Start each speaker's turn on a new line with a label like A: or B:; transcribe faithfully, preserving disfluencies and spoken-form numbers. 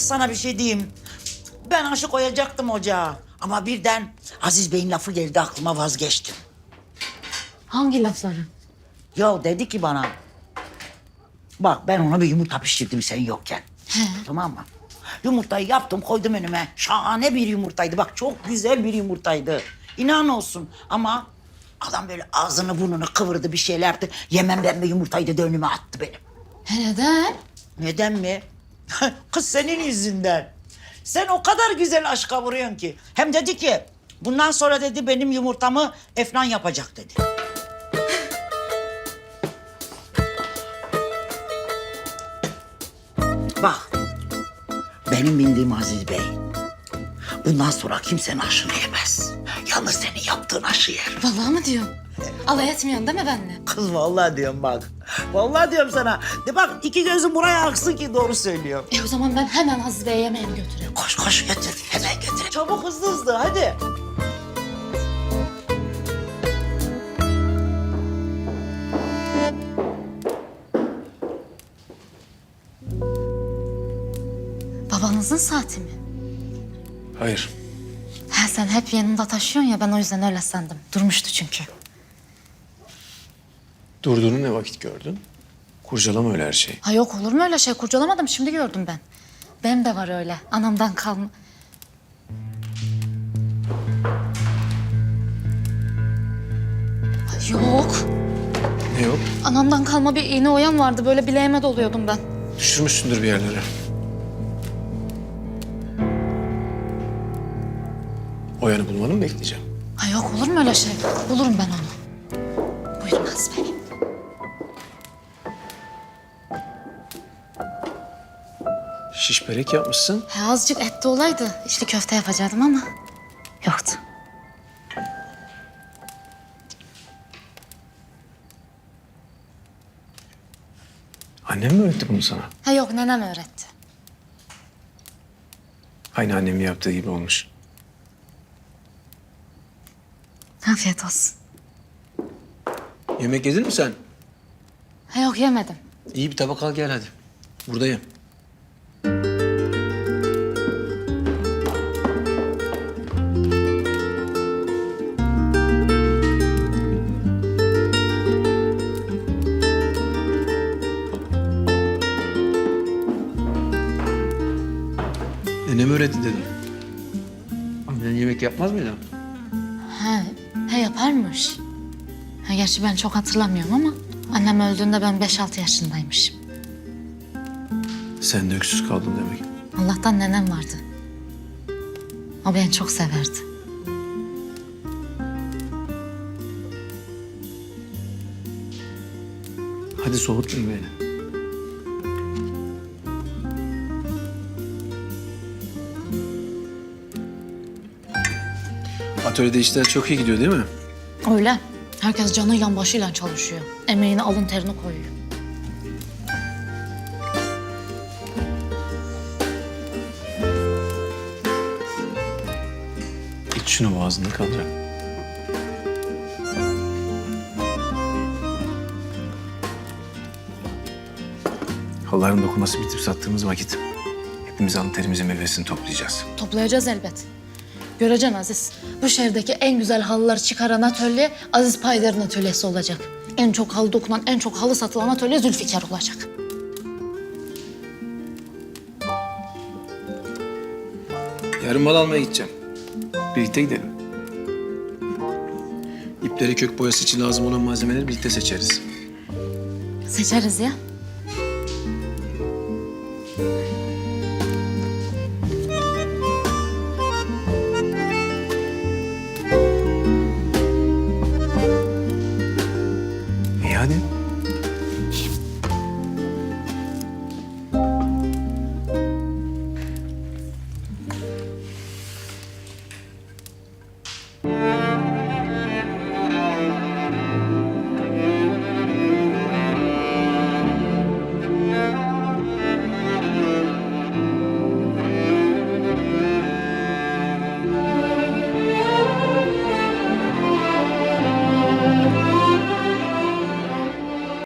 A: sana bir şey diyeyim. Ben aşı koyacaktım ocağa. Ama birden Aziz Bey'in lafı geldi aklıma, vazgeçtim.
B: Hangi lafları?
A: Ya dedi ki bana... Bak ben ona bir yumurta pişirdim sen yokken.
B: He.
A: Tamam mı? Yumurtayı yaptım koydum önüme. Şahane bir yumurtaydı. Bak çok güzel bir yumurtaydı. İnan olsun ama... Adam böyle ağzını burnunu kıvırdı bir şeylerdi. Yemem ben bir yumurtayı dedi önüme attı benim.
B: He, neden?
A: Neden mi? Kız senin yüzünden. Sen o kadar güzel aşka vuruyorsun ki. Hem dedi ki bundan sonra dedi benim yumurtamı Efnan yapacak dedi. Bak benim bildiğim Aziz Bey. Bundan sonra kimsenin aşını yemez. Yalnız senin yaptığın aşı yer.
B: Vallahi mı diyorsun? Alay etmiyorsun değil mi benimle?
A: Kız vallahi diyorum bak. Vallahi diyorum sana. De bak iki gözüm buraya aksın ki doğru söylüyor.
B: E o zaman ben hemen Aziz Bey'e yemeğini götüreyim.
A: Koş koş götür. Hemen götür. Çabuk hızlı hızlı hadi.
B: Babanızın saati mi?
C: Hayır.
B: He, sen hep yanında taşıyorsun ya, ben o yüzden öyle sandım. Durmuştu çünkü.
C: Durduğunu ne vakit gördün? Kurcalama öyle her şeyi.
B: Ha yok, olur mu öyle şey? Kurcalamadım, şimdi gördüm ben. Benim de var öyle, anamdan kalma. Ha, yok.
C: Ne yok?
B: Anamdan kalma bir iğne oyan vardı, böyle bileğime doluyordum ben.
C: Düşürmüşsündür bir yerlere. O yanı bulmanı mı bekleyeceğim?
B: Ha yok, olur mu öyle şey? Bulurum ben onu. Buyurun Aziz Bey.
C: Şiş börek yapmışsın.
B: He, azıcık etli olaydı. İşte köfte yapacaktım ama yoktu.
C: Annem mi öğretti bunu sana?
B: Ha yok, nenem öğretti.
C: Aynı annemin yaptığı gibi olmuş.
B: Afiyet olsun.
C: Yemek yedin mi sen?
B: Ha yok, yemedim.
C: İyi bir tabak al gel hadi. Buradayım. Nenem öğretti dedim. Annen yemek yapmaz mıydı?
B: Ha, he yaparmış. Ha, gerçi ben çok hatırlamıyorum ama annem öldüğünde ben beş altı yaşındaymışım.
C: Sen de öksüz kaldın demek.
B: Allah'tan nenem vardı. O beni çok severdi.
C: Hadi soğutmayın beni. Atölyede işler çok iyi gidiyor değil mi?
B: Öyle. Herkes canıyla başıyla çalışıyor. Emeğini, alın terini koyuyor.
C: İç şunu boğazında kalacak. Halların dokuması bitip sattığımız vakit hepimiz alın terimizin meyvesini toplayacağız.
B: Toplayacağız elbet. Göreceksin Aziz. Bu şehirdeki en güzel halıları çıkaran atölye Aziz Paydar'ın atölyesi olacak. En çok halı dokunan, en çok halı satılan atölye Zülfikar olacak.
C: Yarın mal almaya gideceğim. Birlikte gidelim. İpleri kök boyası için lazım olan malzemeleri birlikte seçeriz.
B: Seçeriz ya.